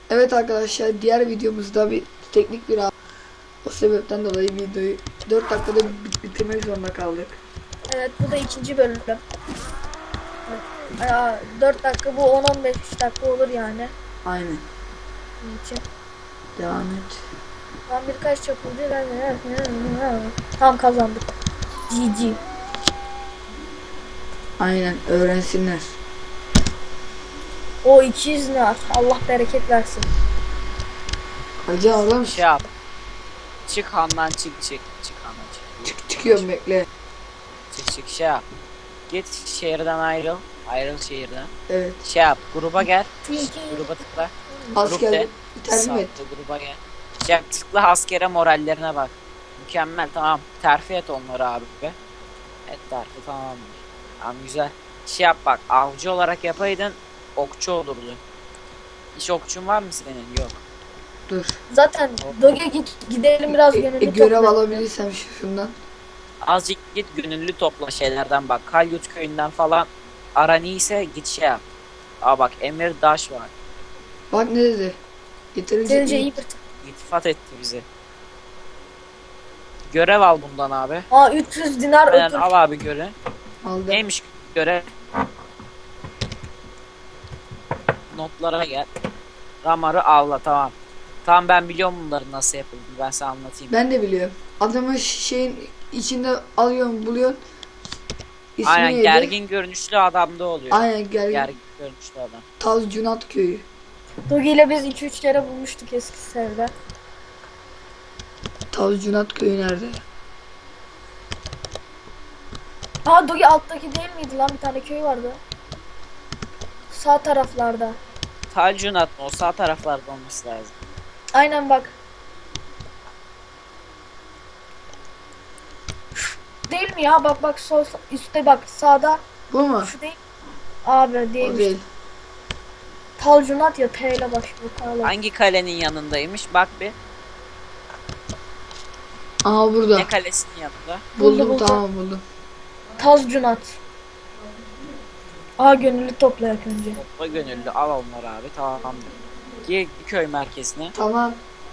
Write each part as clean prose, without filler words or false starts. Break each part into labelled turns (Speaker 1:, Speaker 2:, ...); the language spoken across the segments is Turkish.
Speaker 1: Evet arkadaşlar, diğer videomuzda bir teknik bir o sebepten dolayı videoyu 4 dakikada bitirmek zorunda kaldık.
Speaker 2: Evet, bu da ikinci bölüm. Evet. 4 dakika, bu 10-15 dakika olur yani.
Speaker 1: Aynen.
Speaker 2: Bunun için.
Speaker 1: Devam et.
Speaker 2: Ben birkaç çapulcu tam kazandık. GG.
Speaker 1: Aynen, öğrensinler.
Speaker 2: O 200 ne? Allah bereket versin.
Speaker 1: Hacı oğlum.
Speaker 3: Şey yap. Çık handan çık. Çık handan çık.
Speaker 1: Çıkıyorum, bekle.
Speaker 3: Çık şey yap. Git şehirden ayrıl. Ayrıl şehirden.
Speaker 1: Evet.
Speaker 3: Şey yap. Gruba gel. Gruba tıkla.
Speaker 1: Asker
Speaker 3: de.
Speaker 1: tercih et.
Speaker 3: Saatte gruba gel. Şey yap, tıkla askere morallerine bak. Mükemmel, tamam. Terfi et onları abi be. Et terfi, tamam. Tamam, güzel. Şey yap bak. Avcı olarak yapaydın okçu olurdu. Hiç okçun var mı senin? Yok.
Speaker 1: Dur.
Speaker 2: Zaten Doge gidelim biraz gönüllü
Speaker 1: Görev
Speaker 2: toplayalım.
Speaker 1: alabilirsem şundan.
Speaker 3: Azıcık git gönüllü topla şeylerden bak. Kalyut köyünden falan aran iyiyse git şey yap. Aa bak, Emir Daş var.
Speaker 1: Bak ne dedi. Yeterince
Speaker 2: Sence
Speaker 1: iyi.
Speaker 2: iyi bir...
Speaker 3: İltifat etti bizi. Görev al bundan abi.
Speaker 2: 300 dinar
Speaker 3: Aynen,
Speaker 2: öpür.
Speaker 3: al abi görev.
Speaker 1: Aldım.
Speaker 3: Neymiş görev? Notlara gel. Ramar'ı avla, tamam. Tamam, ben biliyorum bunların nasıl yapıldığını, ben sana anlatayım.
Speaker 1: Ben de biliyorum. Adamı şeyin içinde alıyorsun, buluyorsun. İsmi
Speaker 3: Aynen,
Speaker 1: neydi?
Speaker 3: gergin görünüşlü adamda oluyor.
Speaker 1: Aynen,
Speaker 3: Gergin görünüşlü adam.
Speaker 1: Taz Cunat köyü.
Speaker 2: Doge ile biz 2-3 kere bulmuştuk eski seride.
Speaker 1: Taz Cunat köyü nerede?
Speaker 2: Doge alttaki değil miydi lan, bir tane köy vardı. Sağ taraflarda.
Speaker 3: Talcunat mı? O sağ taraflarda olması lazım.
Speaker 2: Aynen bak. Değil mi ya? Bak sol üstte, bak sağda.
Speaker 1: Bu mu?
Speaker 2: Şu değil. Abi
Speaker 1: O
Speaker 2: değilmiş.
Speaker 1: değil.
Speaker 2: Talcunat ya, T ile başlıyor. Talcunat.
Speaker 3: Hangi kalenin yanındaymış? Bak bir.
Speaker 1: Aha burada.
Speaker 3: Ne kalesinin yanında?
Speaker 1: Buldum,
Speaker 2: Buldum.
Speaker 1: tamam buldum.
Speaker 2: Talcunat. Gönüllü toplayak önce.
Speaker 3: Topla gönüllü, al onları abi, tamam. Gir köy merkezine.
Speaker 1: Tamam.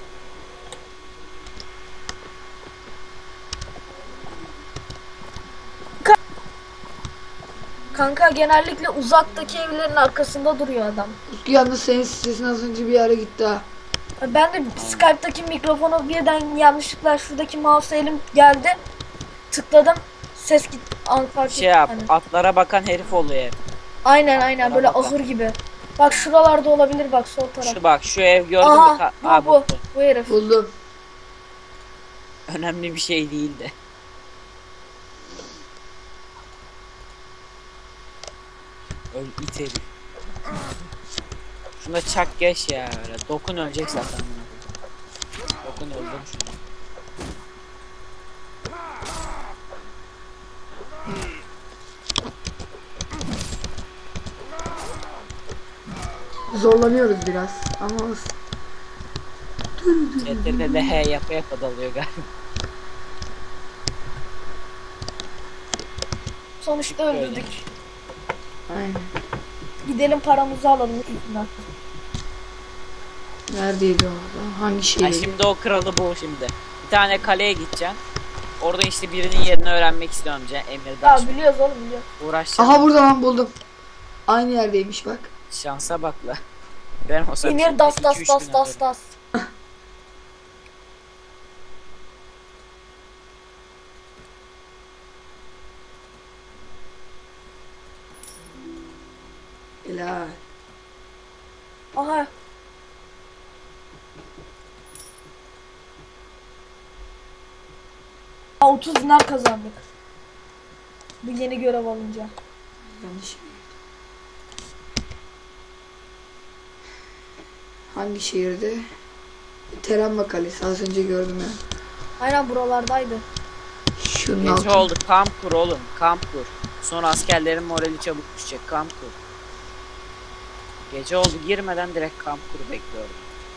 Speaker 2: Kanka genellikle uzaktaki evlerin arkasında duruyor adam.
Speaker 1: Utku, yalnız senin sesin az önce bir yere gitti ha.
Speaker 2: Ben de Skype'daki mikrofonu birden yanlışlıkla şuradaki mouse elim geldi. Tıkladım. Ses git. Fark
Speaker 3: Şey yap,
Speaker 2: hani.
Speaker 3: atlara bakan herif oluyor hep.
Speaker 2: Aynen böyle
Speaker 3: Bana bak.
Speaker 2: ahır gibi. Bak şuralarda olabilir, bak sol taraf.
Speaker 3: Şu bak, şu ev gördün mü?
Speaker 2: Aha bu
Speaker 3: bu.
Speaker 2: bu herif.
Speaker 1: Buldum.
Speaker 3: Önemli bir şey değildi. Öl it herif. Şuna çak geç ya öyle. Dokun, ölecek zaten. Dokun, öldüm şunu.
Speaker 1: Zorlanıyoruz biraz ama olsun.
Speaker 3: Chat'te de he yapa dalıyor galiba.
Speaker 2: Sonuçta öldürdük.
Speaker 1: Aynen.
Speaker 2: Gidelim paramızı alalım üstünden.
Speaker 1: Neredeydi orada? Hangi
Speaker 3: Ha,
Speaker 1: şehirdi?
Speaker 3: şimdi o kralı bu şimdi. Bir tane kaleye gideceksin. Orada işte birinin yerini öğrenmek istiyorum Emir Daş.
Speaker 2: Ya biliyoruz oğlum, biliyoruz.
Speaker 3: Uğraşacağım.
Speaker 1: Aha, burada lan, buldum. Aynı yerdeymiş bak.
Speaker 3: Şansa bak la. Ben olsam
Speaker 2: Emir
Speaker 3: şimdi
Speaker 2: das
Speaker 3: 2-3 gün alırım.
Speaker 2: das.
Speaker 1: Helal.
Speaker 2: Aha. Ha, 30 dinar kazandık. Bu yeni görev alınca.
Speaker 1: Yanlış. Hangi şehirde? Teramma Kalesi, az önce gördüm ya.
Speaker 2: Aynen buralardaydı.
Speaker 1: Şunun
Speaker 3: Gece
Speaker 1: altında.
Speaker 3: oldu, kamp kur oğlum, kamp kur. Sonra askerlerin morali çabuk düşecek, kamp kur. Gece oldu, girmeden direkt kamp kur bekliyorum.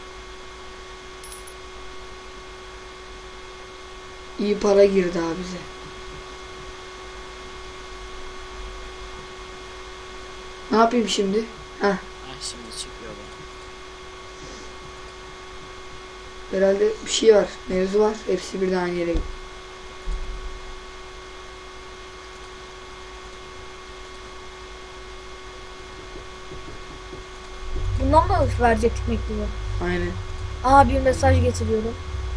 Speaker 1: İyi para girdi abi bize. Ne yapayım şimdi? Heh.
Speaker 3: Şimdi çıkıyor bu.
Speaker 1: Herhalde bir şey var. Mevzu var. Hepsi birden aynı yere gitti.
Speaker 2: Bundan mı verecektik mektubu?
Speaker 1: Aynen.
Speaker 2: Aa, bir mesaj getiriyorum.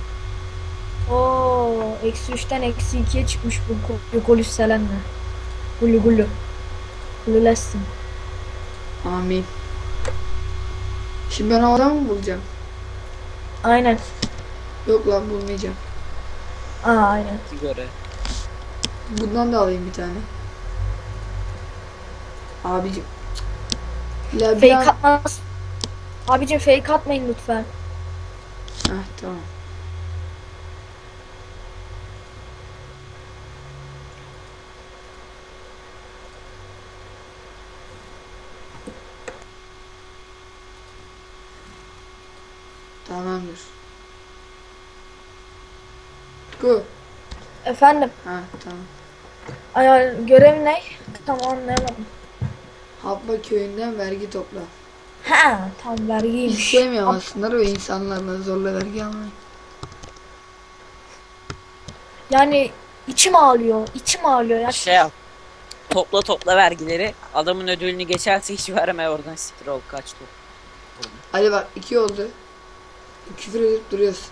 Speaker 2: Oo, -3'ten -2'ye çıkmış bu Yukolüs Selen'le. Gulu gulu. Gululesin.
Speaker 1: Amin. Şimdi ben havadan mı bulacağım?
Speaker 2: Aynen.
Speaker 1: Yok lan bulmayacağım.
Speaker 2: Aa, aynen.
Speaker 3: Göre.
Speaker 1: Bundan da alayım bir tane. Abicim. La bir
Speaker 2: Fake
Speaker 1: an...
Speaker 2: atmaz. Abicim fake atmayın lütfen.
Speaker 1: Heh, tamam. Tamamdır. Tutku.
Speaker 2: Efendim.
Speaker 1: Ha tamam.
Speaker 2: Ay, görev ne? Tamam, anlayamadım.
Speaker 1: Habba köyünden vergi topla.
Speaker 2: Ha, tam vergiymiş.
Speaker 1: Hiç sevmiyorum aslında ve insanlarla zorla vergi almayı.
Speaker 2: Yani içim ağlıyor. İçim ağlıyor ya.
Speaker 3: Şey yap. Topla vergileri. Adamın ödülünü geçerse hiç verme, oradan siktir ol, kaç top.
Speaker 1: Hadi bak 2 oldu. Küfür edip duruyorsun.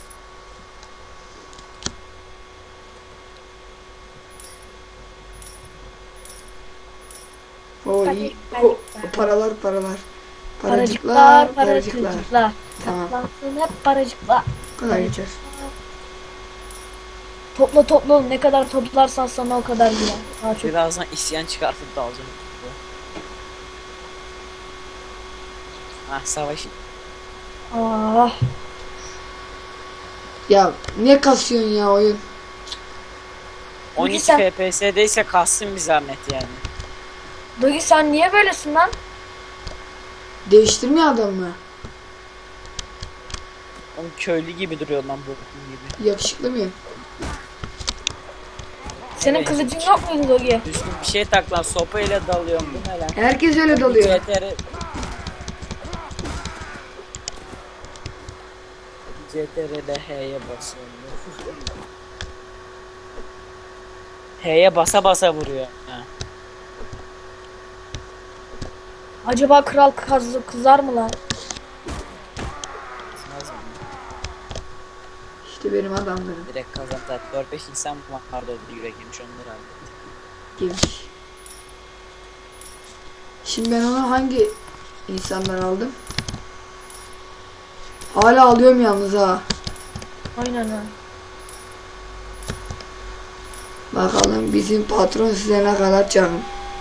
Speaker 1: O iyi. O, paralar.
Speaker 2: Paracıklar.
Speaker 1: Paracıklar. Tamam.
Speaker 2: Toplansın hep paracıklar.
Speaker 1: Bu kadar geçer.
Speaker 2: Topla oğlum. Ne kadar toplarsan sana o kadar gider. Daha çok.
Speaker 3: Birazdan isyan çıkartıp da alacağım. Savaş.
Speaker 2: Ah.
Speaker 1: Ya ne kasıyorsun ya oyun?
Speaker 3: 12
Speaker 2: sen-
Speaker 3: FPS'deyse kalsın bir zahmet yani.
Speaker 2: Dogi sen niye böylesin lan?
Speaker 1: Değiştirmiyor adam mı?
Speaker 3: Onun köylü gibi duruyor lan bu gibi.
Speaker 1: Yakışıklı mı?
Speaker 2: Senin
Speaker 3: Evet.
Speaker 2: kılıcın yok muydu Dogi?
Speaker 3: Düzgün bir şey tak lan, sopayla dalıyorum, bu ne lan?
Speaker 1: Herkes öyle dalıyor.
Speaker 3: CTR'de H'ye basıyorum. H'ye basa vuruyor. Ha.
Speaker 2: Acaba kral kızar mı lan?
Speaker 3: Kızmaz mı?
Speaker 1: İşte benim adamlarım.
Speaker 3: Direkt kazandı. 4-5 insan vardı orada, yürek yemiş, onları halletti.
Speaker 1: Girmiş. Şimdi ben onu hangi insandan aldım? Hala alıyorum yalnız ha.
Speaker 2: Aynen ha.
Speaker 1: Bakalım bizim patron size ne kadar canım.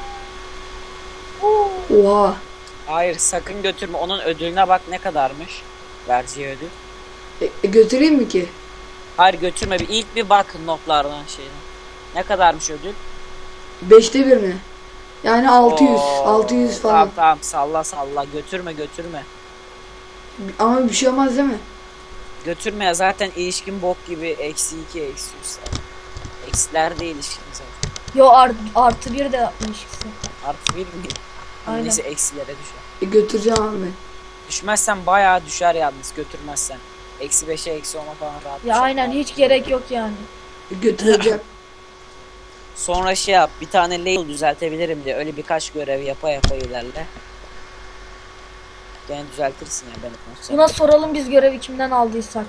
Speaker 2: Oo.
Speaker 1: Oha.
Speaker 3: Hayır, sakın götürme, onun ödülüne bak ne kadarmış. Vereceği ödül.
Speaker 1: Götüreyim mi ki?
Speaker 3: Hayır götürme, bir ilk bir bak notlardan şeyden. Ne kadarmış ödül?
Speaker 1: 5'te 1 mi? Yani 600.
Speaker 3: Oo,
Speaker 1: 600 falan.
Speaker 3: Tamam salla götürme.
Speaker 1: Ama bir şey olmaz değil mi?
Speaker 3: Götürme ya, zaten ilişkin bok gibi, -2 -3 Eksilerde ilişkin zaten.
Speaker 2: Yo, artı bir de yapmış ikisi.
Speaker 3: Artı 1 mi?
Speaker 2: Aynen.
Speaker 3: Neyse eksilere düşer.
Speaker 1: Götüreceğim abi ben.
Speaker 3: Düşmezsen bayağı düşer yalnız, götürmezsen. -5'e -10'a falan rahat
Speaker 2: Ya
Speaker 3: düşer.
Speaker 2: aynen, hiç gerek yok yani.
Speaker 1: Götüreceğim.
Speaker 3: Sonra şey yap, bir tane label düzeltebilirim diye, öyle birkaç görev yapa ilerle. Gene düzeltirsin ya, ben konuşsam.
Speaker 2: Buna soralım biz görevi kimden aldıysak.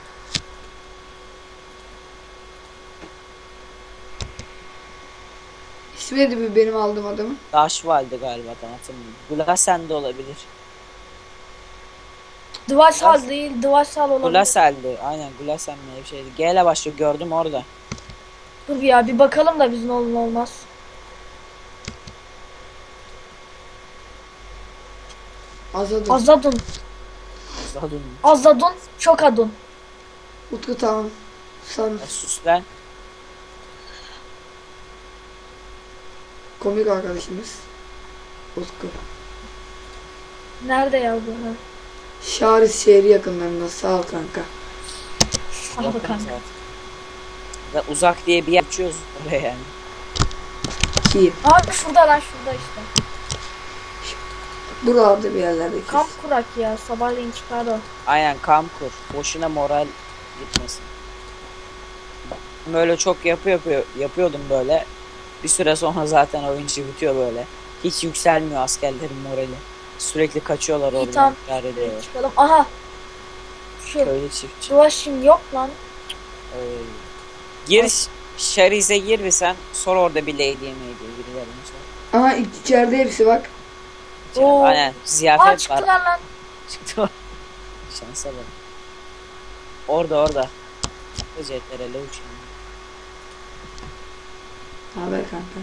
Speaker 1: İsmi neydi bu benim aldığım adamın?
Speaker 3: Daşval'di galiba, hatırlamıyorum. Glasen de olabilir.
Speaker 2: Dvarsal değil, Dvarsal olabilir.
Speaker 3: Glasel'di, aynen Glasen mi bir şeydi. G ile başlıyor, gördüm orada.
Speaker 2: Dur ya, bir bakalım da biz ne olur ne olmaz.
Speaker 1: Azadın.
Speaker 2: Azadun.
Speaker 3: Zadun.
Speaker 2: Azadun, çok adun.
Speaker 1: Utku tamam. San
Speaker 3: Sus lan.
Speaker 1: komik arkadaşımız. Utku.
Speaker 2: Nerede ya bu? Ha.
Speaker 1: Şaris şehri yakınlarında. Sağ ol kanka.
Speaker 2: Al
Speaker 3: Yakın
Speaker 2: bakalım.
Speaker 3: zaten. Ya uzak diye bir yer açıyoruz oraya yani.
Speaker 1: Ki
Speaker 2: Abi şurada lan, şurada işte.
Speaker 1: Buralarda bir yerlerde kesin.
Speaker 2: Kamp kurak ya. Sabahleyin çıkar o.
Speaker 3: Aynen kamp kur. Boşuna moral gitmesin. Böyle çok yapıyordum böyle. Bir süre sonra zaten oyuncu bitiyor böyle. Hiç yükselmiyor askerlerin morali. Sürekli kaçıyorlar
Speaker 2: İyi,
Speaker 3: oradan.
Speaker 2: tamam.
Speaker 3: intihar ediyorlar.
Speaker 2: Çıkalım. Aha. Şu
Speaker 3: Köylü çiftçi.
Speaker 2: Duvaşin yok lan.
Speaker 3: Gir Şerize gir bir sen. Sor orada bir lady yemeği diye birilerine sor.
Speaker 1: Aha içeride hepsi bak.
Speaker 2: Oo.
Speaker 3: Aynen
Speaker 2: Aa,
Speaker 3: ziyafet var.
Speaker 2: çıktılar lan.
Speaker 3: Çıktı. Şansa bak. Orada. Jetlere uçuyor.
Speaker 1: Haber kanka.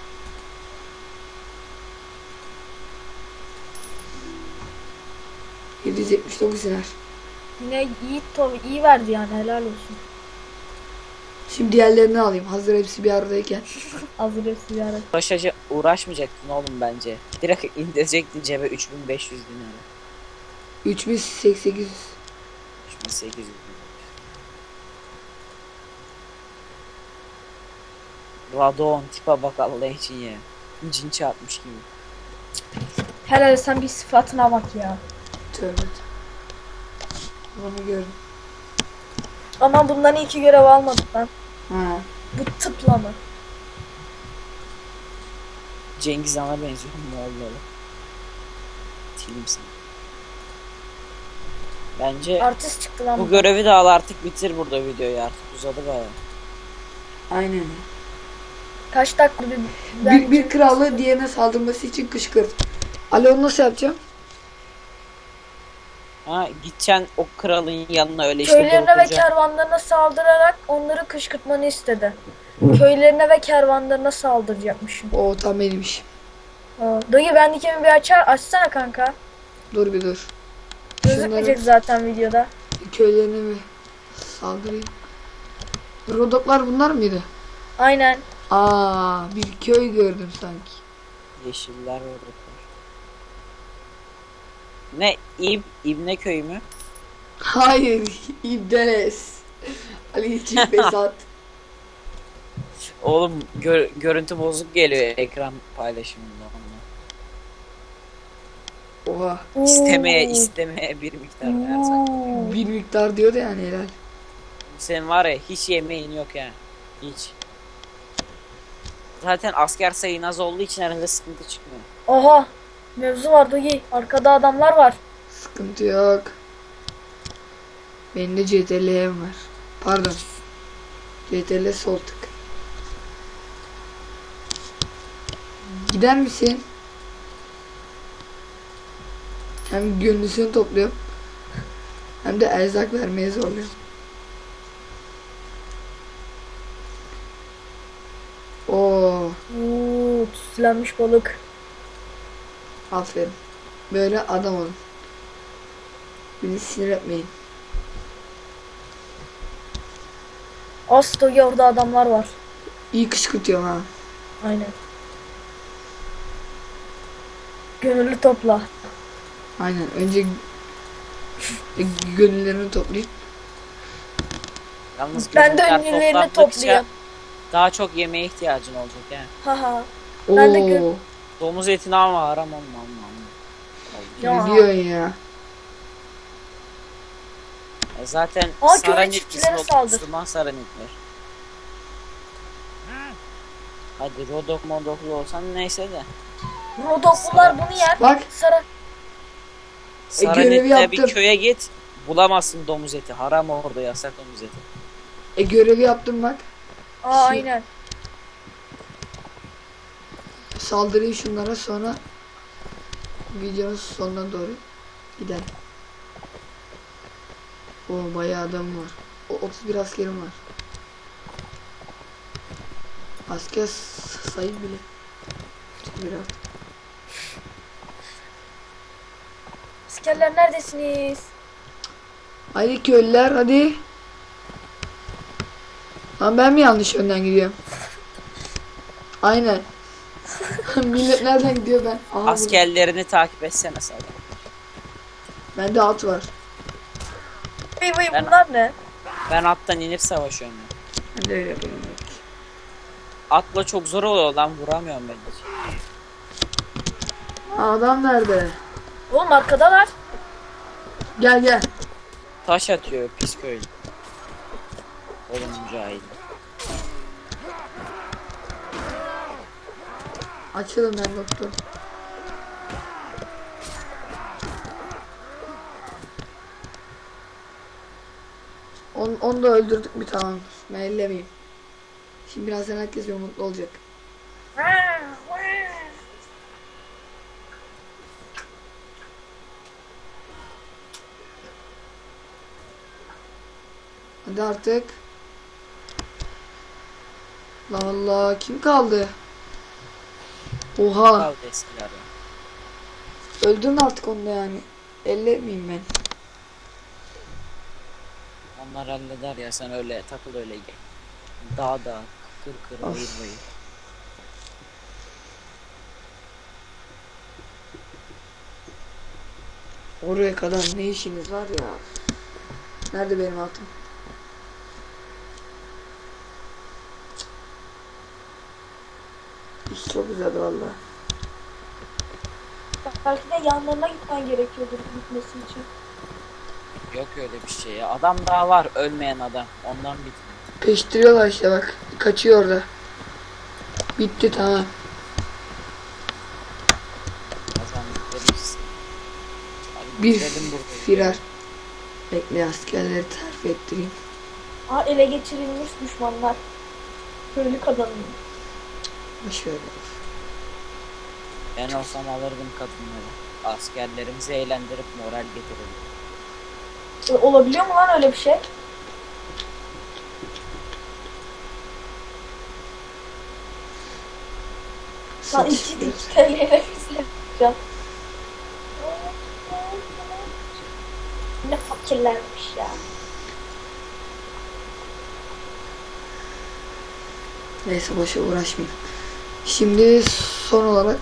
Speaker 1: ...779 iner.
Speaker 2: Yine iyi verdi yani, helal olsun.
Speaker 1: Şimdi diğerlerini alayım. Hazır hepsi bir aradayken.
Speaker 2: Hazır hepsi bir ara.
Speaker 3: Uğraşmayacaktın oğlum bence. Direkt indirecektin cebe 3500 dinara.
Speaker 1: 3800.
Speaker 3: 3800 dinara. Radon tipe bak Allah için ya. Cin çarpmış gibi.
Speaker 2: Helal, sen bir sıfatına bak ya.
Speaker 1: Tövbe. Bunu gördüm.
Speaker 2: Ama bundan iyi ki görev almadık lan.
Speaker 1: Ha.
Speaker 2: Bu tıpla mı?
Speaker 3: Cengiz Han'a benziyor Moğolları. Tilimsin. Bence
Speaker 2: Artist çıktı lan.
Speaker 3: bu görevi de al artık bitir burada videoyu artık uzadı baya.
Speaker 1: Aynen.
Speaker 2: Kaç dakika bir
Speaker 1: Bir kralı diğerine saldırması için kışkırt. Ali onu nasıl yapacağım?
Speaker 3: Ha gideceksin o kralın yanına öyle işte
Speaker 2: köylerine ve
Speaker 3: durduracaksın.
Speaker 2: kervanlarına saldırarak onları kışkırtmanı istedi. Köylerine ve kervanlarına saldıracakmışım.
Speaker 1: O tam benim işim.
Speaker 2: Dayı bendikini bir açsana kanka.
Speaker 1: Dur bir dur.
Speaker 2: Gözükmeyecek zaten videoda.
Speaker 1: Köylerine bir saldırayım. Rodoklar bunlar mıydı?
Speaker 2: Aynen.
Speaker 1: Aa, bir köy gördüm sanki.
Speaker 3: Yeşiller orada. Ne İbne köyü mü?
Speaker 1: Hayır, İbdeles. Ali için Besat.
Speaker 3: Oğlum görüntü bozuk geliyor ekran paylaşımında onunla.
Speaker 1: Oha,
Speaker 3: İstemeye bir miktar versen.
Speaker 1: bir miktar diyordu yani helal.
Speaker 3: Senin var ya hiç yemeğin yok ya. Hiç. Zaten asker sayın az olduğu için herhalde sıkıntı çıkmıyor.
Speaker 2: Oha. Mevzu var dayı. Arkada adamlar var.
Speaker 1: Sıkıntı yok. Benim de CTRL'm var. Pardon. CTRL sol tık. Gider misin? Hem gönlüsünü topluyorum. Hem de erzak vermeye zorluyorum. Oo,
Speaker 2: Tütsülenmiş balık.
Speaker 1: aferin. Böyle adam olun. Beni sinir etmeyin.
Speaker 2: Az dayı, orada adamlar var.
Speaker 1: İyi kışkırtıyorum ha.
Speaker 2: Aynen. Gönüllü topla.
Speaker 1: Aynen. Önce gönüllerini toplayıp
Speaker 3: Yalnız
Speaker 2: Ben de
Speaker 3: gönüllüler
Speaker 2: ünlülerini
Speaker 3: toplandıkça
Speaker 2: topluyorum.
Speaker 3: daha çok yemeğe ihtiyacın olacak yani.
Speaker 2: Haha. Ben de
Speaker 1: Oo,
Speaker 3: Domuz etini alma haram olma.
Speaker 2: Ya.
Speaker 1: ne diyorsun ya?
Speaker 3: Zaten
Speaker 2: Aa, köylü
Speaker 3: Saranit
Speaker 2: çiftçilere
Speaker 3: ismi
Speaker 2: saldır.
Speaker 3: Müslüman Saranitler. Hadi Rodok modoklu olsan neyse de.
Speaker 2: Rodoklular bunu yer.
Speaker 1: Bak.
Speaker 2: Sarı.
Speaker 1: görevi
Speaker 3: Saranit'te bir
Speaker 1: yaptım.
Speaker 3: köye git. Bulamazsın domuz eti. Haram orada yasak domuz eti.
Speaker 1: Görevi yaptım bak.
Speaker 2: Aynen.
Speaker 1: Saldırayım şunlara sonra videonun sonuna doğru gidelim. O bayağı adam var. O 31 askerim var. Asker sayı bile. 31 artık.
Speaker 2: Askerler neredesiniz?
Speaker 1: Haydi köylüler hadi. Lan ben mi yanlış yönden gidiyorum? Aynen. Millet nereden gidiyor ben? Aha, burada.
Speaker 3: Askerlerini takip etsene sana.
Speaker 1: Bende at var.
Speaker 2: Vay
Speaker 3: Ben-
Speaker 2: bunlar ne?
Speaker 3: Ben attan inip savaşıyorum ya.
Speaker 1: Ben de öyle yapıyorum.
Speaker 3: Atla çok zor oluyor lan vuramıyorum ben hiç.
Speaker 1: Adam nerede?
Speaker 2: Oğlum arkadalar.
Speaker 1: Gel gel.
Speaker 3: Taş atıyor pis köylü. Oğlum cahil.
Speaker 1: Açılın ben doktor. Onu da öldürdük bir tamam. Ben ellemeyeyim. Şimdi birazdan herkes bir mutlu olacak. Hadi artık. Allah Allah kim kaldı? Oha.
Speaker 3: Kaldı eskiler ya.
Speaker 1: Öldürün artık onu da yani. Ellemeyeyim ben.
Speaker 3: Onlar halleder ya, sen öyle takıl öyle gel. Dağ dağ, kır kır,
Speaker 1: Of.
Speaker 3: bayır bayır.
Speaker 1: Oraya kadar ne işiniz var ya? Nerede benim altım? İş çok güzeldi valla.
Speaker 2: Belki de yanlarına gitmen gerekiyordur gitmesi için.
Speaker 3: Yok öyle bir şey ya. Adam daha var, ölmeyen adam. Ondan bitmiyor.
Speaker 1: Peştiriyorlar işte bak. Kaçıyor orada. Bitti tamam.
Speaker 3: Kazandıklarımız. Hadi
Speaker 1: Bir
Speaker 3: bitirelim burayı.
Speaker 1: firar. Bekle askerleri terfi ettireyim.
Speaker 2: Aa, ele geçirilmiş düşmanlar. Köylü kadınım.
Speaker 1: Şöyle.
Speaker 3: Ben olsam alırdım kadınları. Askerlerimizi eğlendirip moral getirirdim.
Speaker 2: Olabiliyor mu lan öyle bir şey? Lan
Speaker 1: Satış
Speaker 2: 2
Speaker 1: biraz.
Speaker 2: TL'ye bizle yapacağım. Ne fakirlermiş ya.
Speaker 1: Neyse boşa uğraşmayayım. Şimdi son olarak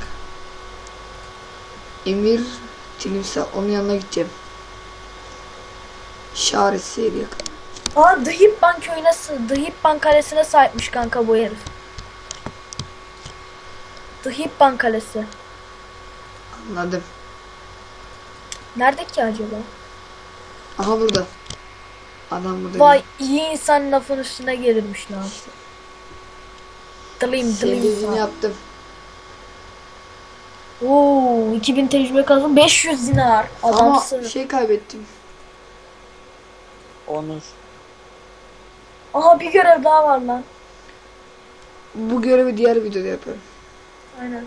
Speaker 1: Emir Timsah onun yanına gideceğim. Şaret seyri yakın.
Speaker 2: Aa, Dihipban köyüne, Dihipban kalesine sahipmiş kanka bu herif. Dihipban kalesi.
Speaker 1: Anladım.
Speaker 2: Nerede ki acaba?
Speaker 1: Aha burada. Adam burada.
Speaker 2: Vay, iyi insan lafın üstüne gelirmiş lan. Dılayım
Speaker 1: Senin
Speaker 2: dılayım.
Speaker 1: dediğini yaptım.
Speaker 2: Oo, 2000 tecrübe kazandım. 500 dinar.
Speaker 1: Ama
Speaker 2: Adamsın.
Speaker 1: şey kaybettim.
Speaker 3: Onur.
Speaker 2: Aha, bir görev daha var lan.
Speaker 1: Bu görevi diğer videoda yaparım.
Speaker 2: Aynen.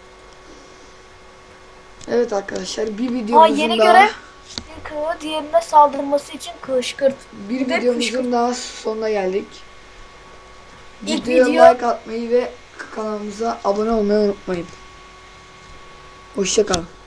Speaker 1: Evet arkadaşlar bir
Speaker 2: Aa,
Speaker 1: videomuzun
Speaker 2: yeni
Speaker 1: daha
Speaker 2: görev. Bir kığı diğerine saldırması için kışkırt.
Speaker 1: bir
Speaker 2: de
Speaker 1: videomuzun
Speaker 2: kışkırt.
Speaker 1: daha sonuna geldik.
Speaker 2: İlk
Speaker 1: Videoya
Speaker 2: video-
Speaker 1: like atmayı ve kanalımıza abone olmayı unutmayın. Hoşça kalın.